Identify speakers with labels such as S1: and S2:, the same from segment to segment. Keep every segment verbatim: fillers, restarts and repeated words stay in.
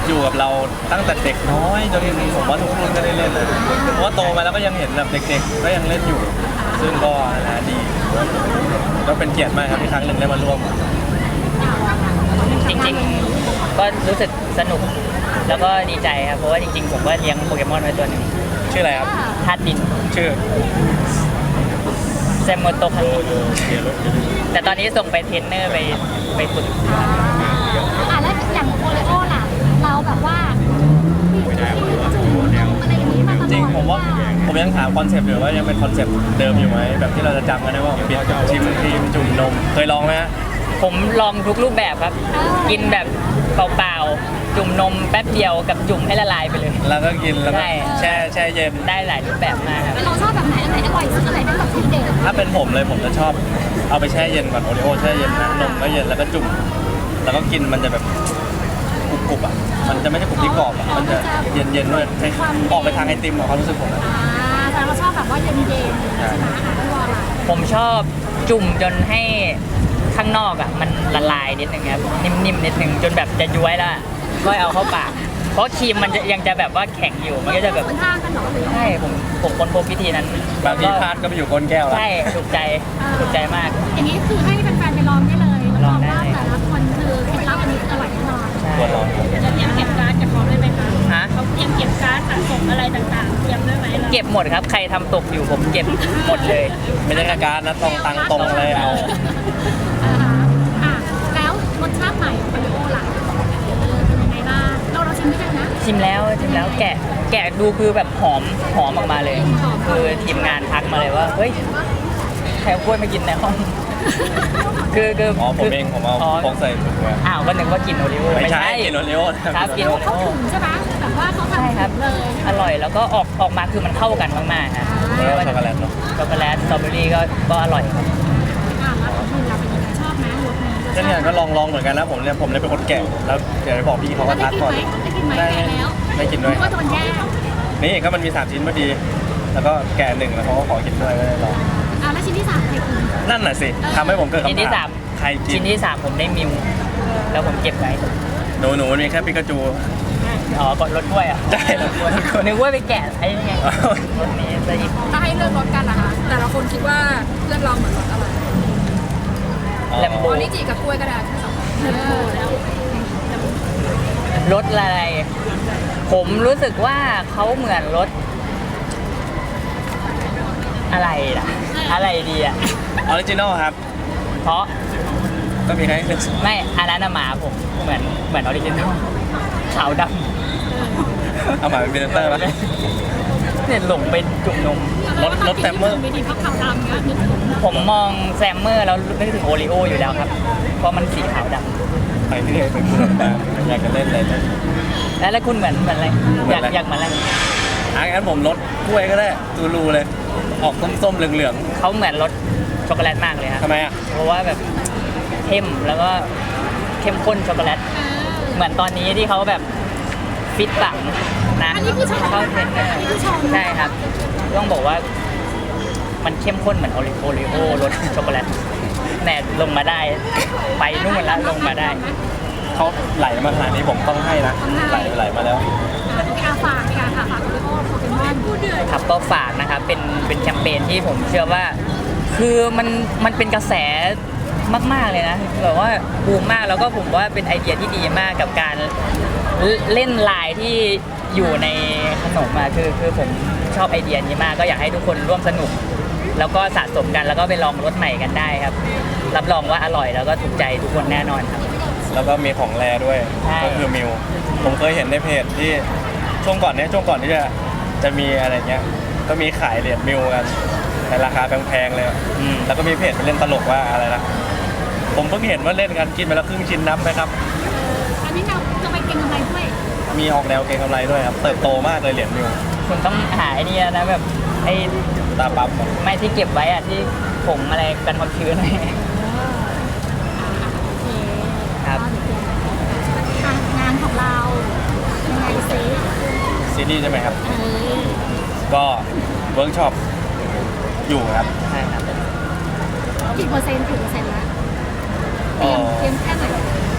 S1: อยู่กับเราตั้งแต่เด็กน้อยจนผมว่าทุกคนก็ได้เล่นเลยเพราะว่าโตมาแล้วก็ยังเห็นแบบเด็กๆก็ยังเล่นอยู่ ซึ่งก็นะดีก็เป็นเกียรติมากครับที่ครั้งหนึ่งได้มาร่วม
S2: จริงๆก็รู้สึกสนุกแล้วก็ดีใจครับเพราะว่าจริงๆผมก็เลี้ยงโปเกมอนไว้ตัวหนึ่ง
S1: ชื่ออะไรครับ
S2: ธาตุดิน
S1: ชื่อ
S2: แซมโมโตคันแต่ตอนนี้ส่งไปเทรนเนอร์ไปไปฝึก
S3: อ่าแล้วอย่างโอเลโอล่ะเราแบบว่าอะไรอย่างนี้มาตลอด
S1: จริงผมว่าผมยังถามคอนเซปต์อยู่ว่ายังเป็นคอนเซปต์เดิมอยู่ไหมแบบที่เราจะจำกันได้ว่าเปลี่ยนชิมครีมจุ่มนมเคยลองไหมฮะ
S2: ผมลองทุกรูปแบบครับกินแบบเปล่าๆจุ่มนมแป๊บเดียวกับจุ่มให้ละลายไปเลย
S1: แล้วก็กินแล้วก็แช่แช่เย็น
S2: ได้หลายรูปแบบมากครับ
S3: เราชอบแบบไหนอันไหนอร่อยสุดอันไหนเป็นแบบทีเด็ด
S1: ถ้าเป็นผมเลยผมจะชอบเอาไปแช่เย็นก่อนโอริโอแช่เย็นนะนมก็เย็นแล้วก็จุ่มแล้วก็กินมันจะแบบกรุบๆอ่ะมันจะไม่ใช่กรุบที่กรอบอ่ะมันจะเย็นๆด้วยออกไปทางไอติมอ่ะความรู้สึกผมอ่ะ
S3: แต่เราชอบแบบว่าเย็นๆใช่ไหมอาหารที่ว่าอะไร
S2: ผมชอบจุ่มจนให้ข้างนอกอ่ะมันละลายนิดนึงครับนิ่มๆนิดนึงจนแบบจะย้วยแล้วก็เอาเข้าปากเพราะครีมมันจะยังจะแบบว่าแข็งอยู่มันก็จะแบบใช่ผมผมค้นพบวิธีนั้น
S1: บางทีพลาดก็ไปอยู่ก้นแก้วแล้ว
S2: ใช่ถูกใจถูกใจมาก
S3: อย่างนี้คือให้แฟนๆไปลองได้เลยลองว่าแต่ละคนคือเคล็ดลับอันนี้อร่อยแน่นอน
S1: ควรลอง
S3: จะเตรียมเก็บการ์ดกับเขาได้ไหมคะฮะเขาเตรียมเก็บการ์ดสะสมอะไรต่างๆเตรียมได้ไหม
S2: เก็บหมดครับใครทำตกอยู่ผมเก็บหมดเลย
S1: ไม่ใช่การ์ดนะตรงตังตรงเลยเอา
S3: แล้วรสชาติใหม่ของโอริโอล่ะเป็นยังไงบ้างเราเราชิมไม่ได้นะ
S2: ชิมแล้วชิมแล้วแกะแกะดูคือแบบหอมหอมออกมาเลยคือทีมงานทักมาเลยว่าเฮ้ยใครเอากล้วยมากินในห้องคือคือ
S1: อ๋อผมเองผมเอาฟองใส่ถุงไว้
S2: อ้าวก็นึกว่ากินโอริโอ
S1: ไม่ใช่กินโอริโอ
S2: ครับกิน
S3: เขาถุงใช่ไหมแบบว่าเขาทำเลย
S2: อร่อยแล้วก็ออกออกมาคือมันเข้ากันมากๆฮะ
S1: ช็อกโกแลตเนาะ
S2: ช็อกโกแลตสตรอเบอรี่ก็ก็อร่อยครับ
S3: อ่าแล้วคุณเราเป็นยังไงชอบไหมรสนี้
S1: ก็เนี่ยก็ลองลองเหมือนกันนะผมเนี่ยผมเลยเป็นคนแก่แล้วเดี๋ยวจะบอกพี่เขาว่าทักก่อน
S3: ได้กินไหมได้กินไหมแล้ว
S1: ได้กินด้วย
S3: ก็โดนแย่
S1: นี่ก็มันมีสามชิ้นพอดีแล้วก็แก่หนึ่งแล้วเขาก็ขอกินด้วยก็เลยลอง
S3: อ่าแล้วชิ้นที่สามใครกิน
S1: นั่นน่ะสิทำให้ผมเกิดคำถาม
S2: ชิ้นที่สาม
S1: ใครกิน
S2: ชิ้นที่สามผมได้มิวแล้วผมเก็บไว้
S1: หนูหนูมีแค่ปิกาจู
S2: อ๋อกดรถกล้วยอ่ะ
S1: ใช่รถกล้วย
S2: นึกว่าไปแกะไอ้นี่ไงรถนี้จะหยิบ
S3: ถ้าให้เลือกรถกันล่ะคะแต่ละคนคิดว่าเลือกเราเหมือนรถอะไร
S2: แลมโบ
S3: ออริจิกับกล้วยก็ได้ทั้งสอง
S2: รถอะไรผมรู้สึกว่าเขาเหมือนรถอะไรล่ะอะไรดีอ่ะ
S1: ออริจินอลครับ
S2: เพราะ
S1: ก็มีใคร
S2: ไม่อันนั้นหมาผมเหมือนเหมือนออริจินอลขาวด
S1: ำเอาหมาเป็นเบนเตอร์ป่ะ
S2: เนี่ยหลงไปจุ่มนม
S1: รถรถแซมเมอร์
S2: ผมมองแซมเมอร์แล้วนึกถึงโอริโออยู่แล้วครับเพราะมันสีขาวด
S1: ำไปที่ไหนไปคุณมาอยากจะเล่นอะไร
S2: แล้วแล้วคุณเหมือนเหมือนอะไรอยากอยากเหมือนอะไร
S1: อ่ะงั้นผมรถกล้วยก็ได้ตูรูเลยออกส้มๆเหลือง
S2: ๆเขาเหมือนรสช็อกโกแลตมากเลยครับ
S1: ทำไมอ่ะ
S2: เพราะว่าแบบเข้มแล้วก็เข้มข้นช็อกโกแลตเหมือนตอนนี้ที่เขาแบบฟิตปังนะเข้าเทรนเนอร์ใช่ครับต้องบอกว่ามันเข้มข้นเหมือนโอริโอริโอรสช็อกโกแลตแหนลงมาได้ไปนู่นแล้วลงมาได้
S1: เขาไหลมาขนาดนี้ผมต้องให้นะไหลไหลมาแล้ว
S3: อาฝากค่ะฝากโอริโอโปเกมอน
S2: ครับก็ฝากนะครับเป็นเป็นแคมเปญที่ผมเชื่อว่าคือมันมันเป็นกระแสมากๆเลยนะแบบว่าบูมมากแล้วก็ผมว่าเป็นไอเดียที่ดีมากกับการเล่นลายที่อยู่ในขนมมาคือคือผมชอบไอเดียนี้มากก็อยากให้ทุกคนร่วมสนุกแล้วก็สะสมกันแล้วก็ไปลองรสใหม่กันได้ครับรับรองว่าอร่อยแล้วก็ถูกใจทุกคนแน่นอนครับ
S1: แล้วก็มีของแรด้วยก็คือมิวผมเคยเห็นในเพจที่ช่วงก่อนเนี้ยช่วงก่อนที่จะจะมีอะไรเงี้ยก็มีขายเหรียญมิวกันในราคาแพงๆเลยแล้วก็มีเพจไปเล่นตลกว่าอะไรนะผมเพิ่งเห็นว่าเล่นกันกินไปแล้วครึ่งชิ้นนับไหมครับ
S3: อันนี้เราจะไปเก็งกำไรด้วย
S1: มีออกแนวเก็งกำไรด้วยครับเติบโตมากเลยเหรียญมิว
S2: คุณต้องหาไอ้นี่นะแบบไอ้
S1: ตาปั๊บ
S2: ไม่ที่เก็บไว้อะที่ผงอะไรกันความชื้นครับ
S3: งานของเรายังไงซิ
S1: ซีรีส์ใช่ไหมครับก็เวิร์กช็อปอยู่ครับ
S2: ใช่ครับ
S3: กี่เปอร์เซ็นต์กี่เปอร์เซ็นต์แล้วเตรียมเตรียมแค่ไหน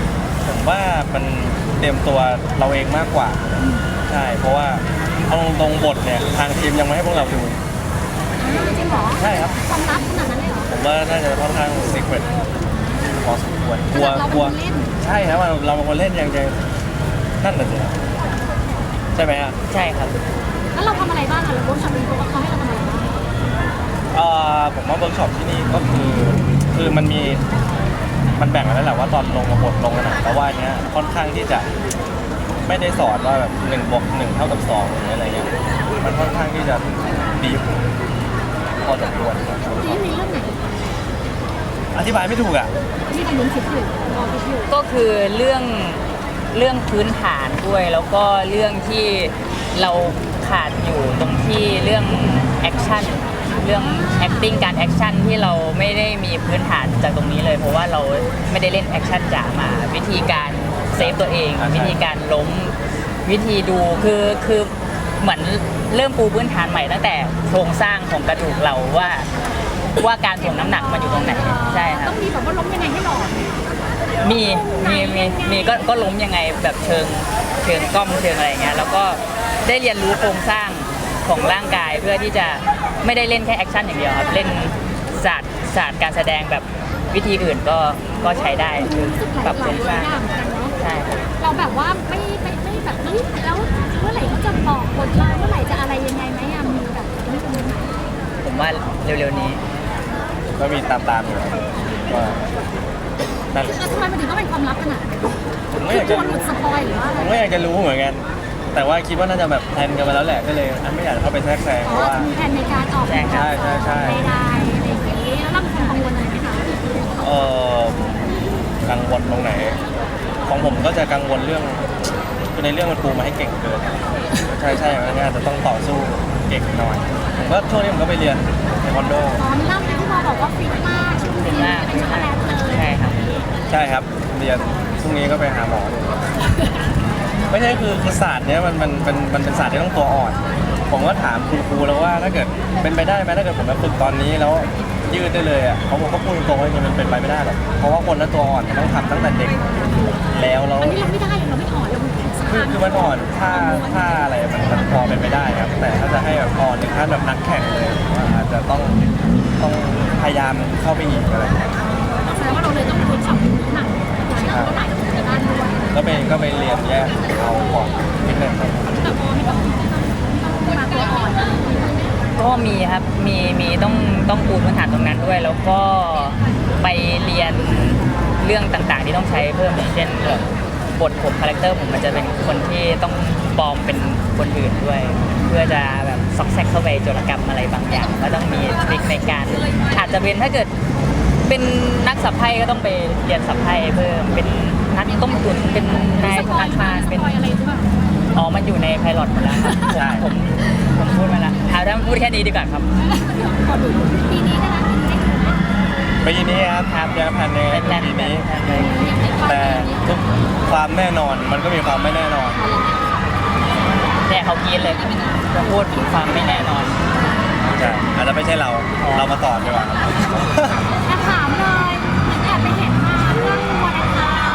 S1: ผมว่ามันเตรียมตัวเราเองมากกว่าใช่เพราะว่าเอาตรงๆบทเนี่ยทางทีมยังไม่ให้พวกเราดู
S3: จริงเหรอ
S1: ใช่ครับ
S3: ความลับขนาดนั้นเลยเหรอ
S1: ผมว่าน่าจะค่อนข้างซีเครตพอสมควรกลัว
S3: เราเป็น
S1: กลัว
S3: คนเล่น
S1: ใช่ครับเราเราเป็นคนเล่นยังจะนั่นน่ะสิใช่ไหมฮะ
S2: ใช่ครับ
S3: แล้วเราทำอะไรบ้างอะเราเวิร์กช็อปเขาเขาให้เราทำอะไรบ้าง
S1: เอ่อผมว่าเวิร์กช็อปที่นี่ก็คือคือมันมีมันแบ่งกันแล้วแหละว่าตอนลงกับบทลงกันนะแต่ว่าอันเนี้ยค่อนข้างที่จะไม่ได้สอนว่าแบบหนึ่งบวกหนึ่งเท่ากับสองหรืออะไรเงี้ยมันค่อนข้างที่จะดีพอสมควรครับ
S3: ทีนี้ในเรื่องไหน
S1: อธิบายไม่ถูกอ่ะ
S3: ที่กำลังคิดอยู่รอคิดอยู่
S2: ก็คือเรื่องเรื่องพื้นฐานด้วย แล้วก็เรื่องที่เราขาดอยู่ตรงที่เรื่องแอคชั่นเรื่อง acting การแอคชั่นที่เราไม่ได้มีพื้นฐานจากตรงนี้เลย เพราะว่าเราไม่ได้เล่นแอคชั่นจ๋ามา วิธีการเซฟตัวเอง วิธีการล้มวิธีดูคือคือเหมือนเริ่มปูพื้นฐานใหม่ตั้งแต่โครงสร้างของกระดูกเราว่าว่าการถ่วงน้ำหนักมันอยู่ตรงไหนใช่ครับ
S3: ต้องมีแบบว่าล้มยังไงให้หล่อ
S2: มีมีมีมีก็ก็ล้มยังไงแบบเชิงเชิงกล้องเชิงอะไรอย่างเงี้ยแล้วก็ได้เรียนรู้โครงสร้างของร่างกายเพื่อที่จะไม่ได้เล่นแค่แอคชั่นอย่างเดียวครับเล่นศาสตร์ศาสตร์การแสดงแบบวิธีอื่นก็ก็ใช้ได้คือ
S3: รู้สึกหลาย
S2: ปรับ
S3: ห
S2: โคร
S3: ลาย
S2: ง
S3: ห
S2: ส
S3: ลา
S2: ร้าย ง
S3: อย่างเหมือนกันเนาะ
S2: ใช่ครับ
S3: เราแบบว่าไม่ไม่ไม่แบบเฮ้ยแล้วเมื่อไหร่เขาจะบอกบทเราเมื่อไหร่จะอะไรยังไงไหมอะมีแบบนี้ตรงนี้ไหม
S2: ผมว่าเร็วๆนี้
S1: ก็มีตามตามๆอยู่ครับก็นั่นแหละ
S3: แล้วทำไมมันถึงต้องเป็นความลับขนาดนั้น
S1: ผมก็
S3: คือ
S1: อยาก
S3: ก
S1: จะ
S3: ลัวหลุดสปอยหรือว่าอะ
S1: ผ
S3: ไร
S1: มก็อยากจะรู้เหมือนกัน แต่ว่าคิดว่าน่าจะแบบแพลนกันมาแล้วแหละก็เลยไม่อยากเข้าไปแทรกแซงเพ
S3: อ๋อ
S1: ราะว่า
S3: จะมีแผนในการออก
S2: ใช่ครับ
S1: ใช่ใช่ใช่
S3: ใดๆอะไรอย่างนี้แล้วเราเป็นคนกังวลอะไรไหมคะ
S1: เออกังวลตรงไหน ของผมก็จะกังวลเรื่องคือในเรื่องมันปูมาให้เก่งเกินใช่ใช่มันอาจจะต้องต่อสู้เก่งหน่อยผมก็ช่วงนี้ผมก็ไปเรียนเทควันโด
S3: อ๋อมีเล่าไหมที่เราบอกว่าฟิตมากชุด
S2: เป็
S3: นี้
S2: นหน้า
S3: เป็นช็อกโกแลตเลย
S2: ใช่ครับ
S1: ใช่ครับเรียนพรุ่งนี้ก็ไปหาหมอดูไม่ใช่คือคือศาสตร์เนี้ยมันมันเป็นมันเป็นศาสตร์ที่ต้องตัวอ่อน ผมก็ถามคุณครูแล้วว่าถ้าเกิดเป็นไปได้ไหมถ้าเกิดผมมาฝึกตอนนี้แล้วยืดได้เลยอ่ะเขาบอกก็พูดตรงๆว่ามันเป็นไปไม่ได้หรอกเพราะว่าคนนั้นตัวอ่อนมันต้องทำตั้งแต่เด็กแล้วแล้ว
S3: อันนี้เราไม่ได้เราไม่อ่อนเราสะ
S1: คือ
S3: พาน
S1: คือมันอ่อนท่าท่าอะไรมันมันพอเป็นไปได้ครับ แต่ถ้าจะให้แบบอ่อนถึงขั้นแบบนักแข่งเลยผมว่าอาจจะต้องต้องพยายามเข้าไปอีกอะไรอย่างเงี้ย
S3: แสดงว่าเราเลยต้องเวิร์กช็อปน้ำหนักหลายเท่าไหร่กับแต่ด้านด้วย
S1: ก็ไปก็ไปเรียนแยกเอาก่อนนิดนึงครับ
S3: แต่พอไม่ต้องมาตัวอ่อนนะ
S2: ก็มีครับ มี มีต้อง ต้องปูพื้นฐานตรงนั้นด้วย แล้วก็ไปเรียนเรื่องต่างๆ ที่ต้องใช้เพิ่มอย่างเช่นแบบบทผมคาแรคเตอร์ผมมันจะเป็นคนที่ต้องปลอมเป็นคนอื่นด้วย เพื่อจะแบบซอกแซกเข้าไปโจรกรรมอะไรบางอย่าง ก็ต้องมีทริคในการ อาจจะเป็นถ้าเกิดเป็นนักสับไพ่ก็ต้องไปเรียนสับไพ่เพิ่ม เป็นนักต้มตุ๋นเป็นนาย
S3: ส
S2: ธ
S3: ปอย
S2: นาคาร
S3: ส
S2: เป็น
S3: ปอยอะไรหรือเปล่า
S2: อ๋อ มันอยู่ในไพลอตหมดแล้วครับ
S1: ใช่
S2: ผมผมพูดมาแล้วเอาถ้าพูดแค่นี้ดีกว่าครับ
S3: ขอดูปีนี้ได้ไหมปีนี้ได้ดูไหม
S1: ปีนี้ครับ
S2: ครับ
S1: ยังแผนใน
S2: เป็นแพลน
S1: ปีนี้
S2: แพลนเลย
S1: แต่ทุกความแน่นอนมันก็มีความไม่แน่นอน
S2: เนี่ยเขากินเลยจะพูดถึงความไม่แน่นอน
S1: ใช่อาจจะไม่ใช่เรา
S2: อ๋อ
S1: เรามาต่อดีกว่า
S3: แอบถามเลยแอบไปเห็นมาเรื่องวาเลนไทน์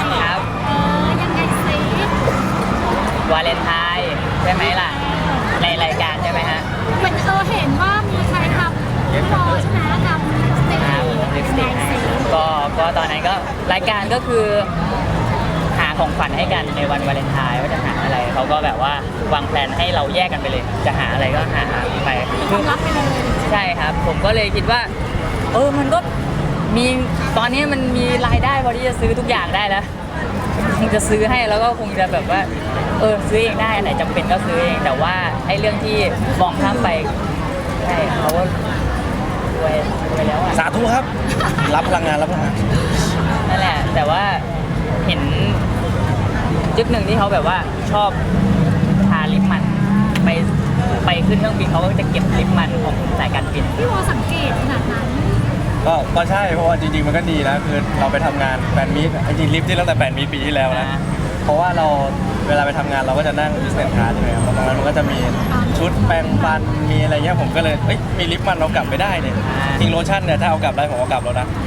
S2: ครับ
S3: เออยังไงซิ
S2: วาเลนไทน์ใช่ไหมล่ะ ในรายการใช่ไหมฮะ
S3: เหมือนเออเห็นว่ามีใครทำพี่รอใช่ไหมทำสเต็ป
S2: ครับลิปสติก
S3: ไง
S2: ให้
S3: ซิ
S2: ก็ก็ตอนนั้นก็รายการก็คือหาของขวัญให้กันในวันวาเลนไทน์ว่าจะหาอะไรเขาก็แบบว่าวางแผนให้เราแยกกันไปเลย จะหาอะไรก็หาไป
S3: ความลับไปเลย
S2: ใช่ครับ ผมก็เลยคิดว่า เออมันก็มีตอนนี้มันมีรายได้พอที่จะซื้อทุกอย่างได้แล้วคงจะซื้อให้แล้วก็คงจะแบบว่า เออซื้อเองได้อันไหนจำเป็นก็ซื้อเองแต่ว่าไอ้เรื่องที่มองข้ามไปใช่เขาก็รวยรวยแล้วอ่ะ
S1: สาธุครับ รับพลังงานรับพลังงาน
S2: นั่นแหละ แต่ว่าเห็นจุดหนึ่งที่เขาแบบว่าชอบทาลิปมันไปไปขึ้นเครื่องบินเขาก็จะเก็บลิปมันของสายการบิน
S3: พี่วอสังเกตขนาดนั้น
S1: ก็ก็ใช่เพราะว่าจริงๆมันก็ดีนะคือเราไปทำงานแฟนมีตจริงๆลิฟต์ที่ตั้งแต่แฟนมีตปีที่แล้วนะ
S2: อ่า
S1: เพราะว่าเราเวลาไปทำงานเราก็จะนั่ง business class ใช่ไหมครับตรงนั้นมันก็จะมีชุดแปรงฟันมีอะไรเงี้ยผมก็เลยเอ้ยมีลิปมันเรากลับไปได้เนี่ยจริงโลชั่นเนี่ยถ้าเอากลับได้ผมเอากลับแล้วนะ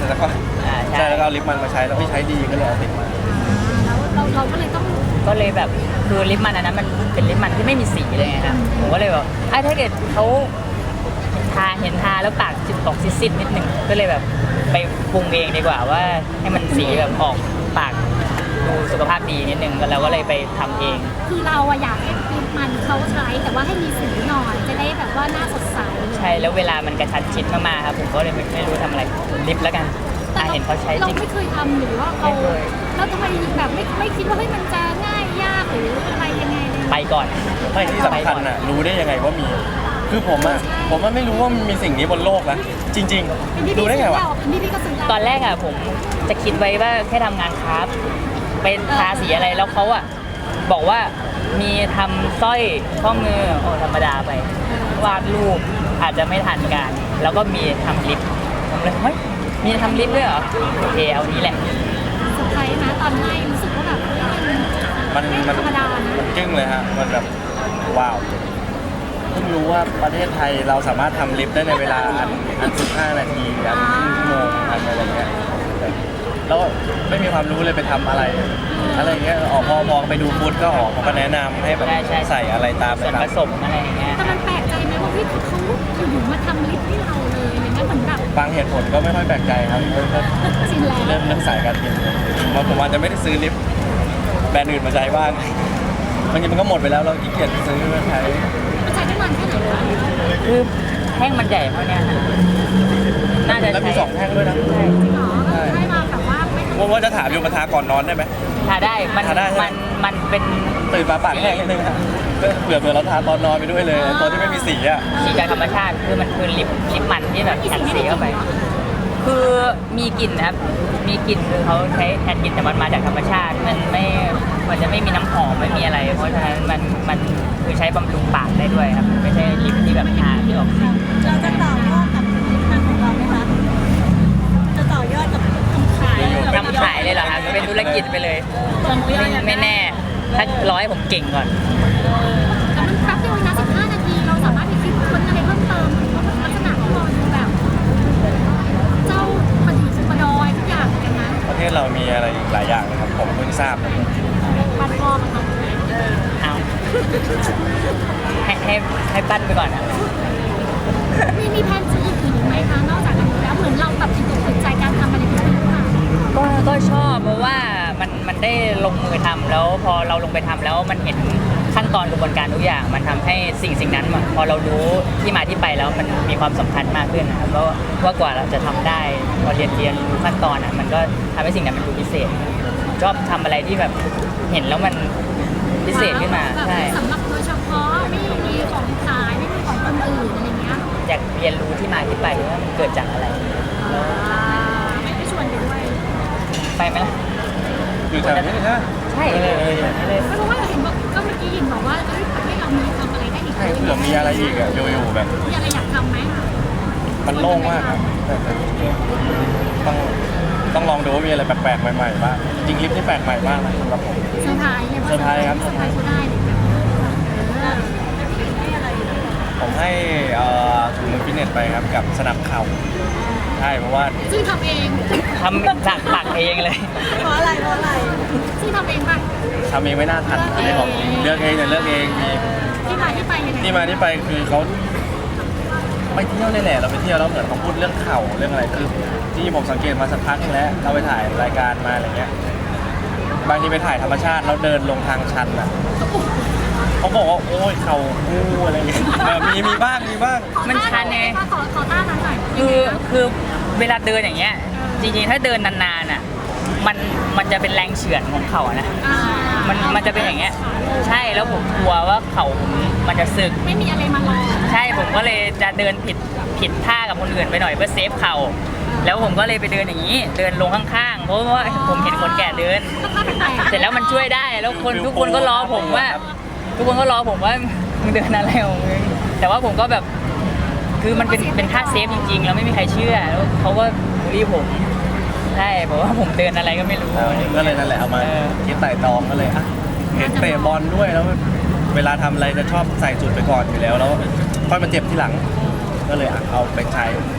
S1: แล้วก็
S2: อ่าใช่
S1: ใช่แล้วก็เอาลิปมันมาใช้แล้วไม่ใช้ดีก็เลยเอาติดมา
S3: แล้วเราเราก็เลยต้อง
S2: ก็เลยแบบคือลิปมันอันนั้นมันเป็นลิปมันที่ไม่มีสีเลยไงครับผมก็เลยแบบอ่ะถ้าเกิดเขาทาเห็นทาแล้วปากจุดออกซิดๆนิดหนึ่งก็เลยแบบไปปรุงเองดีกว่าว่าให้มันสีแบบออกปากดูสุขภาพดีนิดนึงแล้วเราก็เลยไปทำเอง
S3: คือเราอะอยากให้ลิปมันเขาใช้แต่ว่าให้มีสีหน่อยจะได้แบบว่าหน้าสดใส
S2: ใช่แล้วเวลามันกระชันชิดมากๆครับผมก็เลยไม่ไม่รู้ทำอะไรลิปแล้วกันอ่ะเห็นเขาใช้
S3: เรา
S2: จริง
S3: ไม่เคยทำหรือว่าเขา
S2: ไม่เคย
S3: แล้วทำไมแบบไม่ไม่คิดว่าเฮ้ยมันจะง่ายยากหรืออะไรยังไงเลย
S2: ไปก่อน
S1: ไม่ที่สำคัญอ่ะรู้ได้ยังไงว่ามี คือผมอ่ะผมว่าไม่รู้ว่ามันมีสิ่งนี้บนโลกนะจริง
S3: เป็นพี่
S1: ๆรู้ได้ไงวะ
S3: เป็นพี่พี่ก็ซื้อ
S2: ตอนแรกอะผมจะคิดไว้ว่าแค่ทำงานคราฟต์เป็นทาสีอะไรแล้วเขาอะบอกว่ามีทำสร้อยข้อมือโอ้ธรรมดาไป วาดรูปอาจจะไม่ทันการแล้วก็มีทำลิปผมเลยเฮ้ยมีทำลิปด้วยเหรอโอเคเอานี้แหละ
S3: เซอร์ไพรส์นะตอนให้รู้สึกว่าแบบเฮ้ยมัน
S1: มันมัน
S3: ธรรมดานะ
S1: มันจึ้งเลยฮะมันแบบว้าวเพิ่งรู้ว่าประเทศไทยเราสามารถทำลิฟต์ได้ในเวลาอันอันสิบห้านาทีอันครึ่งชั่วโมงอันอะไรเงี้ยแล้วไม่มีความรู้เลยไปทำอะไร อะไรเงี้ยออกพอมองไปดูฟุตก็ออกเขาก็แนะนำให้แบบ
S2: ใช่ใช่
S1: ใส่อะไรตาม
S2: ส่วน
S1: ไป
S2: ผสมอะไรอย่างเงี้ย
S3: แต่มันแปลกใจไหมว่าพี่เขาอยู่ๆมาทำลิปให้เราเลยอะไรเงี้ยเหมือนแบบ
S1: บางเหตุผลก็ไม่ค่อยแปลกใจครับเริ่ม
S3: ชินแล้ว
S1: เริ่มเริ่มสายการบินมาผมอาจจะไม่ได้ซื้อลิฟต์แบรนด์อื่นมาใช้บ้างบางทีมันก็หมดไปแล้วเราขี้เกียจซื้อมาใช้
S3: มันใช้ได้นานแค่ไหนวะ
S2: คือแท่งมันใหญ่เท่าเนี้ยฮะน่าจะ
S1: แล้วมี
S2: ใช้
S1: สองแท่งด้วยนะ
S2: ใช่
S3: จริงเหรอก็คือให้มาแบบว่าไม่ต้อง
S1: ว่าว่าจะถามอยู่มาทาก่อนนอนได้ไหม
S2: ทาได้มัน
S1: ทาได้ใช่ไหม
S2: มันมันเป็น
S1: ตื่นมาปากแห้งนิดนึงครับเผื่อเผื่อเราทาตอนนอนไปด้วยเลยตัวที่ไม่มีสีอ่ะ
S2: สีจากธรรมชาติคือมันคือลิปลิปมันที่แบบแอนสีเข้าไป คือมีกลิ่นนะครับ มีกลิ่นคือเขาใช้แทนกลิ่นแต่มันมาจากธรรมชาติ มันไม่มันจะไม่มีน้ำหอมไม่มีอะไร เพราะฉะนั้นมันมันคือใช้บำรุงปากได้ด้วยครับ ไม่ใช่ลิปที่แบบทาที่ออกสี
S4: เราจะต่อยอดกับผลิตภัณฑ์ของเราไหมคะ จะต่อยอดกับทำขาย
S2: ทำขายเลยเหรอครับเป็นธุรกิจไปเลยไม่ไม่แน่ ถ้าร้อยผมเก่งก่อน
S3: แต่มันแป๊บเดียวนะสิบห้านาทีเราสามารถไปคิดค้นอะไรเพิ่มเติมเพราะลักษณะของเราดูแบบ เจ้าประดิษฐ์สุปดอยทุกอย่างเลยนะ
S1: ประเทศเรามีอะไรอีกหลายอย่างนะครับผมเพิ่งทราบนะ
S3: บันพอมาทำ
S2: เอาให้ให้ให้ปั้นไปก่อนนะ
S3: มีมีแผนจะอีกอีกไหมคะนอกจากอันนี้แล้วเหมือนเราแบบติดอกติดใจการทำอะไรแบบนี้หรือเปล่า
S2: ก็ก็ชอบเพราะว่ามันมันได้ลงมือทำแล้วพอเราลงไปทำแล้วมันเห็นขั้นตอนกระบวนการทุกอย่าง มันทำให้สิ่งสิ่งนั้นอะพอเรารู้ที่มาที่ไปแล้วมันมีความสำคัญมากขึ้นนะครับเพราะว่ากว่าเราจะทำได้พอเรียนเรียนรู้ขั้นตอนอ่ะมันก็ทำให้สิ่งนั้นมันดูพิเศษ ชอบทำอะไรที่แบบเห็นแล้วมันพิเศษขึ้นมาใช่
S3: สำหรับโดยเฉพาะไม่มีของขายไม่มีของคนอื่นอะไรเงี้ย
S2: อยากเรียนรู้ที่มาที่ไปว่ามันเกิดจากอะไร
S3: ไม่ได้ชวนไปด้วย
S2: ไปไหมล่ะ
S1: อยู่แถวนี้ใช่ไหม
S2: ใช่
S1: เออเออ
S3: เพราะว่าเห็นบอกก็เมื่อกี้ยินบอกว่าเอ้ยประเทศเรามีทำอะไรได้อีก
S1: ใช่เผื่อมีอะไรอีกอ่ะอยู่ๆแบบ
S3: มีอะไรอยากทำไหม
S1: มันโล่งมากครับต้องต้องลองดูว่ามีอะไรแปลกๆใหม่ๆบ้างจริงลิฟต์ที่แปลกใหม่มากนะสำหรับผม
S3: เซอร์ไพรส์เนี่ย
S1: เซอร์ไพรส์ครับ
S3: เซอร์ไพรส์ก็ได้เลยแบบ
S1: ผมให้เอ่อถุงมือฟิตเนสไปครับกับสนับเข่าใช่เพราะว่า
S3: ซึ่งทำเอง
S2: ทำจากปากเองเลย
S4: เพราะอะไร เพราะอะไร
S3: ซึ่งทำเองป่ะ
S1: ทำเองไม่น่าทันอันนี้ของจริงเลือกเองเนี่ยเลือกเองมี
S3: ที่มาที่ไปยังไง
S1: ที่มาที่ไปคือเขาไปเที่ยวเลยแหละเราไปเที่ยวแล้วเหมือนเขาพูดเรื่องเข่าเรื่องอะไรคือที่ผมสังเกตมาสักพักนึงแล้วเราไปถ่ายรายการมาอะไรเงี้ยบางทีไปถ่ายธรรมชาติแล้วเดินลงทางชันอ่ะเขาบอกว่าโอ้ยเข่ากู้อะไรเงี้ยเออมีมีบ้างมีบ้าง
S2: มันชันไง
S3: ขอขอต้านั้นหน่อย
S2: คือคือเวลาเดินอย่างเงี้ย จริงๆถ้าเดินนานๆอ่ะมันมันจะเป็นแรงเฉื่อนของเข่านะ
S3: อ่า
S2: มันมันจะเป็นอย่างเงี้ยใช่แล้วผมกลัวว่าเข่าผมมันจะสึก
S3: ไม่มีอะไรมารอ
S2: ใช่ผมก็เลยจะเดินผิดผิดท่ากับคนอื่นไปหน่อยเพื่อเซฟเข่าแล้วผมก็เลยไปเดินอย่างนี้ เดินลงข้างๆเพราะว่าผมเห็นคนแก่เดิน เสร็จแล้วมันช่วยได้แล้วคนทุกคนก็รอผมว่า ทุกคนก็รอผมว่ามึงเดินอะไรของมึงแต่ว่าผมก็แบบคือมันเป็นเป็นท่าเซฟจริงๆแล้วไม่มีใครเชื่อแล้วเขาก็บูลลี่ผมใช่บอกว่าผมเดินอะไรก็ไม่รู้
S1: เออก็เลยนั่นแหละเอามา
S2: เออ
S1: คิดไต่ตองก็เลยอ่ะเห็นเตะบอลด้วยแล้วเวลาทำอะไรจะชอบใส่จุดไปก่อนอยู่แล้วแล้วค่อยมาเจ็บทีหลัง ก็เลยอ่ะเอาไปใช้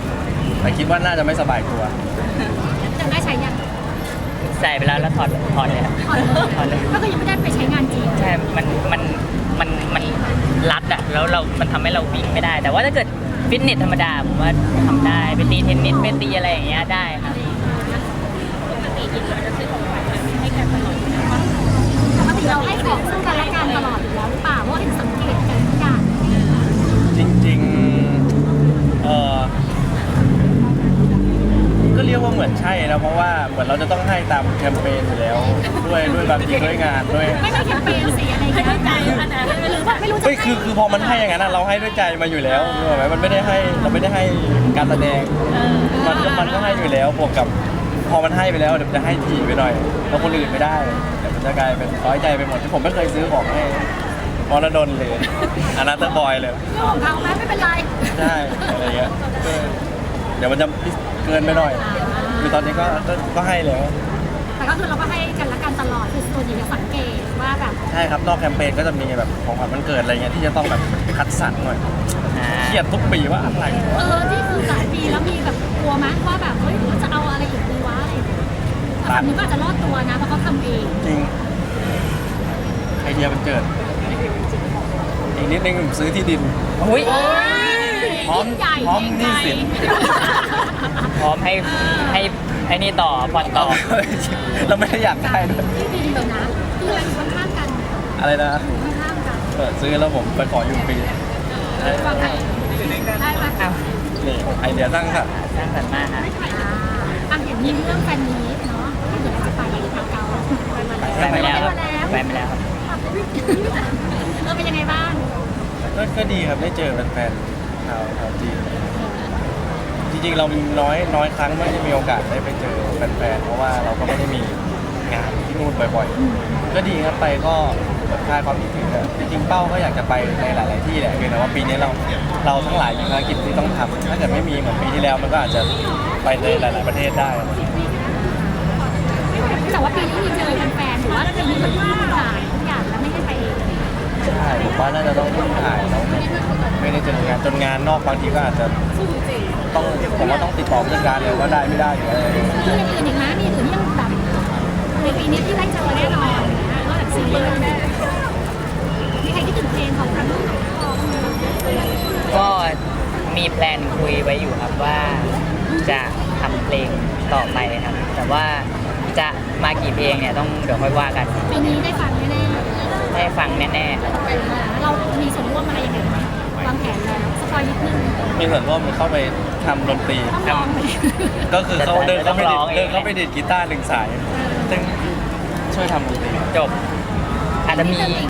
S1: แต่คิดว่าน่าจะไม่สบายตัว
S3: จะได้ใช้ยัง
S2: ใส่ไปแล้วแล้วถอดถอดเลยครับ
S3: ถอดเลย
S2: ถอดเลย
S3: ก็คือยังไม่ได้ไปใช้งานจริง
S2: ใช่ มัน มัน มัน มันรัดอะแล้วเรา มันทำให้เราวิ่งไม่ได้ แต่ว่าถ้าเกิดฟิตเนสธรรมดาผมว่าทำได้ ไปตีเทนนิสไปตีอะไรอย่างเงี้ยได้ครับ
S3: ปกติเราให้ของซึ่งกันและกันตลอดอยู่แล้วหรือเปล่าเพราะว่าเห็นสังเกตกันทุกอย่าง
S1: จริงๆเออก็เรียกว่าเหมือนใช่นะเพราะว่าเหมือนเราจะต้องให้ตามแคมเปญอยู่แล้ว ด้วยด้วยบางทีด้วยงานด้วย
S3: ไม่ไม่แคมเปญสีอะไรเงี้ยไม่ใจขนาดหรือว่าไม่รู้จะ
S1: เฮ้ยคือคือพอมันให้อย่างนั้นอะเราให้ด้วยใจมาอยู่แล้วรู้ไหมมันไม่ได้ให้เราไม่ได้ให้การแสดงมันก็มันก็ให้อยู่แล้วบวกกับพอมันให้ไปแล้วเดี๋ยวมันจะให้ทีไปหน่อยแล้วคนอื่นไม่ได้เดี๋ยวมันจะกลายเป็นร้อยใจไปหมดที่ผมไม่เคยซื้อของให้พอระดนเลยอนาเตอร์บอยเลย
S3: เรื่องของเขาไหมไม่เป็นไร
S1: ใช่อะไรเงี้ยเออเดี๋ยวมันจะเกินไปหน่อยคือตอนนี้ก็ก็ก็ให้แล้ว
S3: แต่ก็คือเราก็ให้กันและกันตลอดคือส่วนใหญ่จะสังเกตว่าแบบ
S1: ใช่ครับนอกแคมเปญก็จะมีแบบของขวัญวันเกิดอะไรเงี้ยที่จะต้องแบบคัดสรรหน่อย
S2: อ่า
S1: เครียดทุกปีว่าอะไร
S3: เออที่คือหลายปีแล้วมีแบบกลัวมั้ยว่าแบบเฮ้ยเราจะเอาอะไรอีกดีวะอะไรอย่างเงี้ยแต่ฝั่งนี้ก็อาจจะรอดตัวนะเพราะเขาทำเอง
S1: จริงไอเดียมันเจิดอีกนิดนึงผมซื้อที่ดิน
S2: อุ้ย
S1: พร้อม
S3: ใหญ่
S1: พร้อมหนี้สิน
S2: พร้อมให้ ให้ไอ้นี่ต่อผ่อนต่อ
S1: เราไม่ได้อยากได้ด้วย
S3: ที่ดีเลยนะคืออะไรอยู่ข้างๆกัน
S1: อะไรนะ
S3: อยู่ข้างๆกัน
S1: เออซื้อแล้วผมไปขออยู่ฟรี
S3: วางไงได้ไหม
S2: อ้าว
S1: นี่ไอเดียสร้างสรรค์
S2: สร้างสรรค์มากฮะ
S3: อ่าอ่ะเห็นมีเรื่องแฟนมีตเนาะที่เดี๋ยวเราจะไปมาเก๊าไปมา
S2: ไปมาแล้ว
S3: ไป
S2: ครับ
S3: มาแล้ว
S2: ไปมาแล้วครับ
S3: เออเป็นยังไงบ้าง
S1: ก็ก็ดีครับได้เจอแฟนๆชาวชาวจีนจริงๆเรามีน้อยน้อยครั้งไม่ได้มีโอกาสได้ไปเจอแฟนๆเพราะว่าเราก็ไม่ได้มีงานที่นู่นบ่อยๆ ก็ดีครับไปก็คลายความคิดถึงอะจริงๆเป้าก็อยากจะไปในหลาย ๆ ที่แหละเพียงแต่ว่าปีนี้เราเราทั้งหลายมีภารกิจที่ต้องทำถ้าเกิดไม่มีเหมือนปีที่แล้วมันก็อาจจะไปในหลาย ๆ ประเทศได้
S3: แต่ว่าปีนี้มีเจอแฟนๆหรือว่าปีนี้เหมือนที่ถ่ายทุกอย่างแล้วไม่ได้ไปเอง
S1: ใช่ผมว่าน่าจะต้องถ่ายแล้วไม่ได้เจองานจนงานนอกบางทีก็อาจจะต้องผมว่าต้องติดต่อผู้จัดการเลยว่าได้ไม่ได้หรืออะไร
S3: มีอย่างอื่นอีกนะมีอย่างอื่นที่ยังแบบในปีนี้ที่ได้เจอแน่นอนนะนอกจากซีรีส์มีใครที่ตื่นเต้นของทั้งคู่
S2: ก็มีแพลนคุยไว้อยู่ครับว่าจะทำเพลงต่อไปครับ แต่ว่าจะมากี่เพลงเนี่ยต้องเดี๋ยวค่อยว่ากัน
S3: ปีนี้ได้ฟังแน่
S2: ได้ฟังแน่ๆครับ
S3: ๆเรามีส่วนร่วมอะไรยังไงไหมวางแผนแล้วสปอยนิดนึง
S1: มีส่วนร่วมเข้าไปทำดนตรี
S3: ต้องลองไหม
S1: ก็คือเขาเดินเข้าไปดิดเดินเข้าไปดิดกีตาร์หนึ่งสาย ซึ่งช่วยทำดนตรี
S2: จบ อาจจะมี